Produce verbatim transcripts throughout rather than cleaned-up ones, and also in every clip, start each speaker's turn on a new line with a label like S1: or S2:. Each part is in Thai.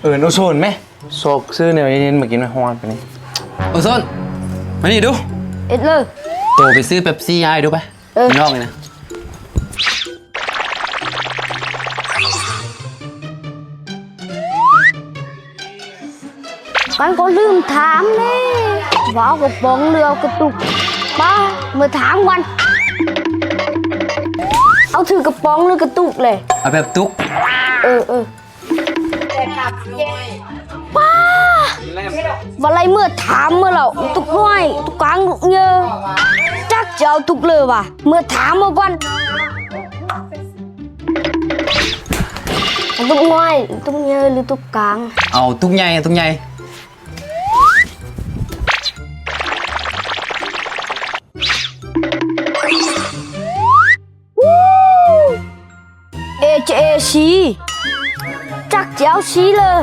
S1: เออโนโซนไหมโซกซื้อเนี่ยเย็นๆมากินมาฮอนไปนี่
S2: โอโซนมานี่ดู
S3: เอ็ดเลย
S2: โตไปซื้อเป๊ปซี่ให้ดูไปนอกเลยนะ
S3: กันก็ลืมถามเลยว่าเอากระป๋องเรือกระตุกป้าเมื่อถามวันเอาถือกระป๋องหรือกระตุกเลย
S2: เอาแบบตุก
S3: เออเออป้าวันไรเมื่อถามเมื่อเราตุกน้อยตุกกลางตุกเยอะจักจะเอาตุกเลยว่ะเมื่อถามเมื่อวันตุกน้อยตุกเยอะหรือตุกกลาง
S2: เอาตุกใหญ่ตุกใหญ่
S3: เอเจเอชีจักเจ้าชีเลย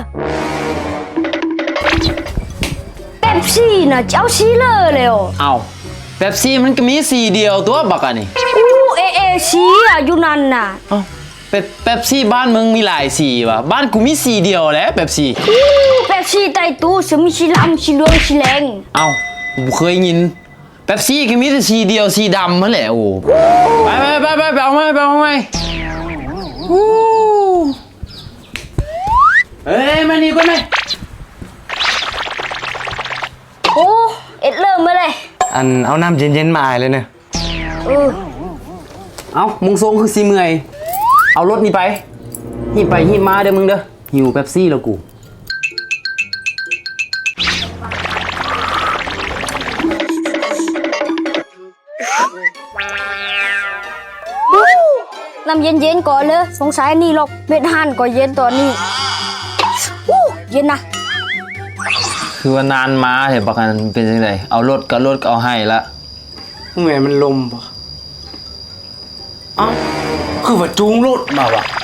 S3: เป๊ปซี่น่ะเจ้าชีเลยเลย
S2: เอาเป๊ปซี่มันก็มีสีเดียวตัวบักอันนี่
S3: อู้เอเอชีอ่ะอยู่นั่นน่ะ
S2: เป๊ปเป๊ปซี่บ้านมึงมีหลายสีว่ะบ้านกูมีสีเดียวแหละเป๊ปซี่
S3: อู้เป๊ปซี่ไตตู้สมีสีดำสีเหลืองสีแดง
S2: เอากูเคยยินเป๊ปซี่ก็มีแต่สีเดียวสีดำนั่นแหละโอ้ไปไปไปไปไปเอาไหมไปเอาไหมเฮ้ยมานี่ก่อนไหม
S3: โอ้เอ็ดเริ่มมาเลย
S1: อันเอาน้ำเย็นๆมาอายเลยเนี่ย
S3: เออ
S2: เอามึงทรงคือสีเมื่อยเอารถนี่ไปหิบไปหิบมาเด้อมึงเด้อหิวเป๊ปซี่แล้วกู
S3: น้ำเย็นๆก่อนเลยสงสัยนี่หรอกเม็ดหั่นก็เย็นตอนนี้เย็นนะ
S2: คือว่านานมาเห็นประกันเป็นยังไงเอารถก็รถก็เอาให้ละ
S1: เหมือนมันลมปะอ้าวคือว่าจูงรถมาวะ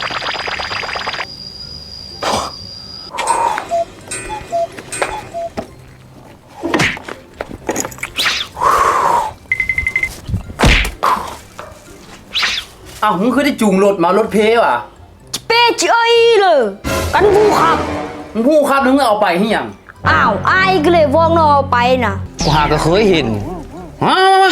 S1: อ้าวมึงเคยได้จูงรถมารถเพย์ว่ะ
S3: เป้เจ้ยเลยกันผู้ขับ
S1: มึงผู้ขับมึงเอาไปที่ยัง
S3: อ้าวไอ้ก็เลยวองนอไปน่ะ
S2: กูหาก็เคยเห็นมามา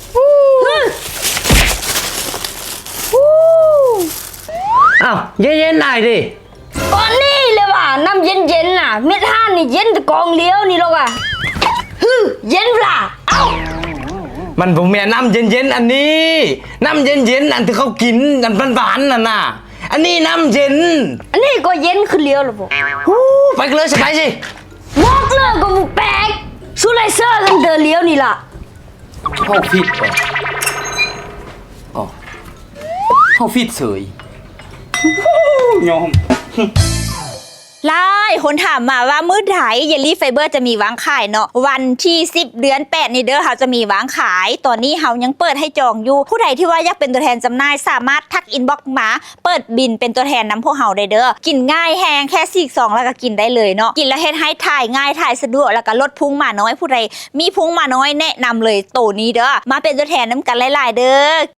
S1: อ้าวเย็นๆหน่อยดิ
S3: ก่อนนี่เลยว่ะน้ำเย็นๆน่ะเม็ดห่านนี่เย็นแต่กองเลี้ยวนี่หรอกอ่ะฮึเย็นปะเอ้า
S1: มันผมแม่น้ำเย็นๆอันนี้น้ำเย็นๆอันที่เขากินอันหวานๆน่ะน่ะอันนี้น้ำเย็น
S3: อันนี้ก็เย็นคือเลี้ยวหรอปุ๊
S1: ไปกันเลยสบายสิ
S3: บอกเลยก็บุแปลกสู้ไลเซอร์กันเดินเลี้ยวนี่ล่ะ
S1: เข้าฟิตก่อนอ๋อเข้าฟิตเฉยยอม
S4: หลายคนถามมาว่ามื้อไหนเยลลี่ไฟเบอร์จะมีวางขายเนาะวันที่สิบเดือนแปดนี่เด้อเขาจะมีวางขายตอนนี้เขายังเปิดให้จองอยู่ผู้ใดที่ว่าอยากเป็นตัวแทนจำหน่ายสามารถทักอินบ็อกซ์มาเปิดบินเป็นตัวแทนนำพวกเขาได้เด้อกินง่ายแฮงแค่สี่สองแล้วก็กินได้เลยเนาะกินแล้วเฮ็ดให้ถ่ายง่ายถ่ายสะดวกแล้วก็ลดพุงมาน้อยผู้ใดมีพุงมาน้อยแนะนำเลยโตนี้เด้อมาเป็นตัวแทนน้ำกันหลายๆเด้อ